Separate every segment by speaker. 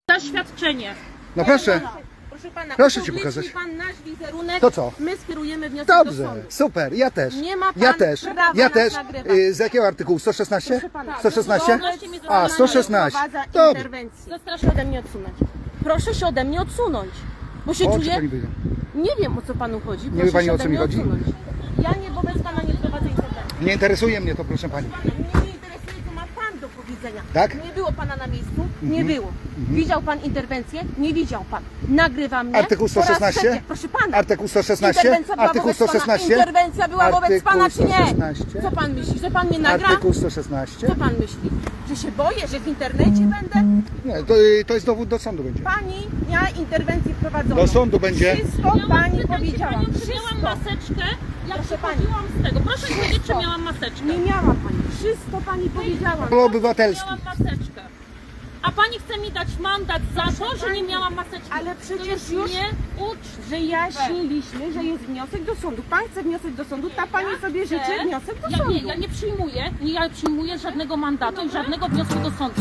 Speaker 1: Zaświadczenie.
Speaker 2: No proszę.
Speaker 1: Proszę pana,
Speaker 2: Proszę ci pokazać.
Speaker 1: pan nasz wizerunek.
Speaker 2: To co?
Speaker 1: My skierujemy wniosek do
Speaker 2: Dobrze,
Speaker 1: sądu.
Speaker 2: super, ja też.
Speaker 1: Nie ma pan
Speaker 2: Ja też.
Speaker 1: prawa
Speaker 2: Ja
Speaker 1: nas
Speaker 2: też.
Speaker 1: nagrywać.
Speaker 2: Z jakiego artykułu? 116?
Speaker 1: Proszę pana,
Speaker 2: 116? A, 116.
Speaker 1: Dobrze.
Speaker 2: Dobrze.
Speaker 1: Proszę się ode mnie odsunąć. Proszę się ode mnie odsunąć. Bo się
Speaker 2: O, czy
Speaker 1: czuję...
Speaker 2: pani wyjdzie?
Speaker 1: Nie wiem, o co panu chodzi.
Speaker 2: wie
Speaker 1: Proszę
Speaker 2: pani,
Speaker 1: się
Speaker 2: o
Speaker 1: ode
Speaker 2: co mi
Speaker 1: mnie
Speaker 2: chodzi?
Speaker 1: odsunąć. Ja nie wobec pana nie prowadzę interwencji.
Speaker 2: Nie interesuje mnie to, proszę pani.
Speaker 1: Mnie nie interesuje, co ma pan do powiedzenia.
Speaker 2: Tak?
Speaker 1: Nie było pana na miejscu? Nie było. Widział pan interwencję? Nie widział pan. Nagrywa mnie.
Speaker 2: Artykuł
Speaker 1: po raz
Speaker 2: 116?
Speaker 1: trzeci. Proszę pana.
Speaker 2: Artykuł 116?
Speaker 1: Interwencja była
Speaker 2: Artykuł
Speaker 1: wobec pana.
Speaker 2: 116?
Speaker 1: Interwencja była wobec
Speaker 2: Artykuł
Speaker 1: pana, czy nie?
Speaker 2: 116?
Speaker 1: Co pan myśli? Że pan mnie nagra?
Speaker 2: Artykuł 116?
Speaker 1: Co pan myśli? Że się boję, że w internecie będę?
Speaker 2: Nie, to jest dowód do sądu będzie.
Speaker 1: Pani miała interwencję prowadzoną.
Speaker 2: Do sądu będzie.
Speaker 1: Wszystko pani powiedziała.
Speaker 3: Czy miałam
Speaker 1: Wszystko.
Speaker 3: maseczkę? Jak
Speaker 1: Proszę
Speaker 3: wychodziłam z tego? Proszę mi powiedzieć, czy miałam maseczkę.
Speaker 1: Nie miała pani. Wszystko pani powiedziała.
Speaker 2: Prawo obywatelskie.
Speaker 3: Miałam maseczkę. A pani chce mi dać mandat za to, że nie miałam maseczki.
Speaker 1: Ale
Speaker 3: To
Speaker 1: przecież
Speaker 3: jest
Speaker 1: już wyjaśniliśmy, że jest wniosek do sądu. Pan chce wniosek do sądu, ta pani sobie życzy wniosek do sądu.
Speaker 3: Ja nie przyjmuję, ja przyjmuję żadnego mandatu i żadnego wniosku do sądu.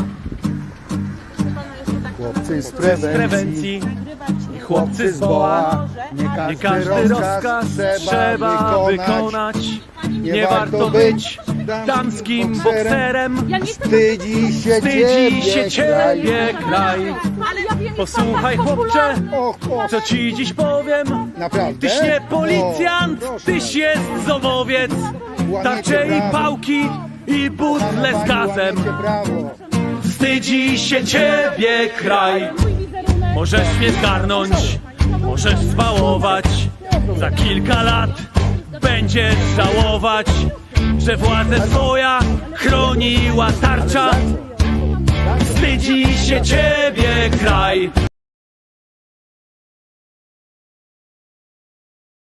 Speaker 2: Chłopcy z
Speaker 4: prewencji i chłopcy z BOA. Nie każdy rozkaz trzeba wykonać. Nie warto być damskim bokserem.
Speaker 3: Ja nie chcę
Speaker 2: Wstydzi się
Speaker 4: Ciebie kraj.
Speaker 1: Ale ja wiem,
Speaker 4: Posłuchaj chłopcze,
Speaker 2: Och,
Speaker 4: co ci dziś powiem.
Speaker 2: naprawdę?
Speaker 4: Tyś nie policjant,
Speaker 2: O, proszę.
Speaker 4: tyś jest zowowiec. Tarcze i pałki i butle z gazem.
Speaker 2: Łamiecie prawo.
Speaker 4: Wstydzi się ciebie kraj. Możesz mnie zgarnąć, możesz zwałować. Za kilka lat będziesz żałować, że władzę twoja chroniła tarcza. Wstydzi się ciebie kraj.